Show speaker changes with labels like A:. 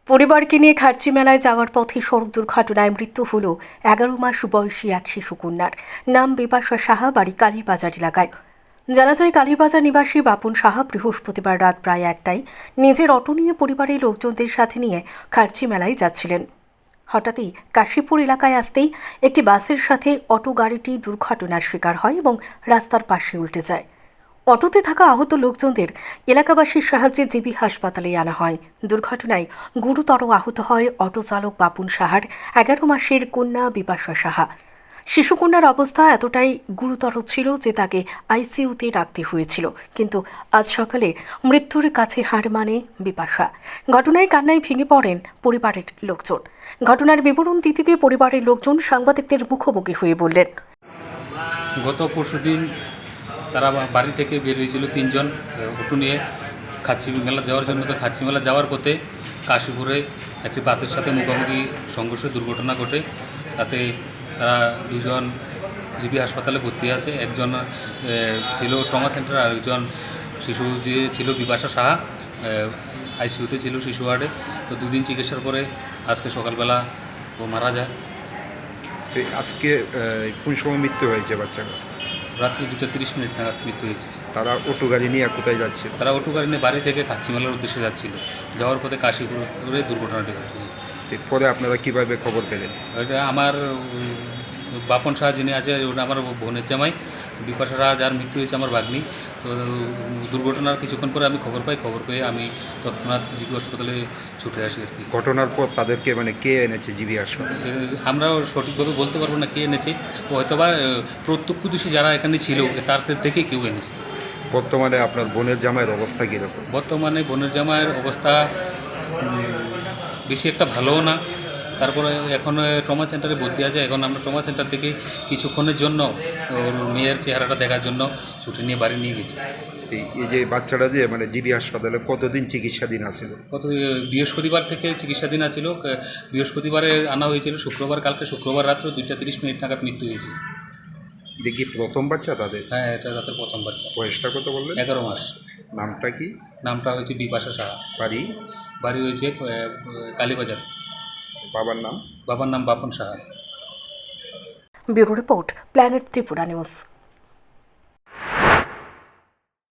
A: পরিবারকে নিয়ে খার্চি মেলায় যাওয়ার পথে সড়ক দুর্ঘটনায় মৃত্যু হল 11 মাস বয়সী এক শিশু কন্যার। নাম বিপাশা সাহা, বাড়ি কালীবাজার এলাকায়। জানা যায়, কালীবাজার নিবাসী বাপন সাহা বৃহস্পতিবার রাত প্রায় 1টায় নিজের অটো নিয়ে পরিবারের লোকজনদের সাথে নিয়ে খার্চি মেলায় যাচ্ছিলেন। হঠাৎই কাশীপুর এলাকায় আসতেই একটি বাসের সাথে অটো গাড়িটি দুর্ঘটনার শিকার হয় এবং রাস্তার পাশে উল্টে যায়। অটোতে থাকা আহত লোকজনদের এলাকাবাসীর সাহায্যে জিবি হাসপাতালে আনা হয়। দুর্ঘটনায় গুরুতর আহত হয় অটো চালক বাপুন সাহার 11 মাসের কন্যা বিপাশা সাহা। শিশুকন্যার অবস্থা এতটাই গুরুতর ছিল যে তাকে আইসিইউতে রাখতে হয়েছিল, কিন্তু আজ সকালে মৃত্যুর কাছে হার মানে বিপাশা। ঘটনায় কান্নায় ভেঙে পড়েন পরিবারের লোকজন। ঘটনার বিবরণ দিতে গিয়ে পরিবারের লোকজন সাংবাদিকদের মুখোমুখি হয়ে বললেন,
B: গত পরশুদিন তারা বাড়ি থেকে বের হয়েছিল 3 জন অটো নিয়ে খাচ্চি মেলা যাওয়ার জন্য। তো খাচ্চি মেলা যাওয়ার পথে কাশীপুরে একটি বাসের সাথে মুখোমুখি সংঘর্ষে দুর্ঘটনা ঘটে। তাতে তারা 2 জন জিবি হাসপাতালে ভর্তি আছে। একজন ছিল ট্রমা সেন্টার, আর একজন শিশু যে ছিল বিপাশা সাহা আইসিইউতে ছিল শিশু ওয়ার্ডে। তো 2 দিন চিকিৎসার পরে আজকে সকালবেলা ও মারা যায়।
C: তো আজকে কোন সময় মৃত্যু হয়েছে বাচ্চাটা?
B: রাত্রি 2:30 নাগাদ মৃত্যু হয়েছে।
C: তারা অটো গাড়ি নিয়ে কোথায় যাচ্ছে?
B: তারা অটো গাড়ি নিয়ে বাড়ি থেকে খাচ্চি মেলার উদ্দেশ্যে যাচ্ছিল। যাওয়ার পথে কাশীপুরে দুর্ঘটনাটি ঘটে।
C: পরে আপনারা কিভাবে খবর পেলেন?
B: এটা আমার বাপন সাহা যিনি আছে, ওটা আমার বোনের জামাই। বিপাশা সাহা যার মৃত্যু হয়েছে আমার ভাগ্নি। তো দুর্ঘটনার কিছুক্ষণ পরে আমি খবর পাই। খবর পেয়ে আমি তৎক্ষণাৎ জিবি হাসপাতালে ছুটে আসি আর কি।
C: ঘটনার পর তাদেরকে কে এনেছে জিবি হাসপাতালে?
B: আমরাও সঠিকভাবে বলতে পারবো না কে এনেছে। হয়তোবা প্রত্যক্ষদর্শী যারা এখানে ছিল তাদের দেখে কেউ এনেছে।
C: বর্তমানে আপনার বোনের জামাইয়ের অবস্থা কীরকম?
B: বর্তমানে বোনের জামাইয়ের অবস্থা বেশি একটা ভালোও না। তারপরে এখন ট্রমা সেন্টারে ভর্তি আছে। এখন আমরা ট্রমা সেন্টার থেকে কিছুক্ষণের জন্য ওর মেয়ের চেহারাটা দেখার জন্য ছুটি নিয়ে বাড়ি নিয়ে গেছি।
C: এই যে বাচ্চাটা যে জিবি হাসপাতালে কতদিন চিকিৎসাধীন আছিল?
B: বৃহস্পতিবার থেকে চিকিৎসাধীন আছিল। বৃহস্পতিবারে আনা হয়েছিল, কালকে শুক্রবার রাত্রে 2:30 নাগাদ মৃত্যু হয়েছে।
C: দেখি প্রথম বাচ্চা তাদের?
B: হ্যাঁ, এটা তাদের প্রথম বাচ্চা।
C: বয়সটা কত বললেন?
B: 11 মাস।
C: নামটা কি?
B: নামটা হয়েছে বিপাশা সাহা।
C: বাড়ি
B: হয়েছে কালীবাজার।
C: বাবার নাম?
B: বাবার নাম Bapan Saha.
A: Bureau report, planet Tripura news.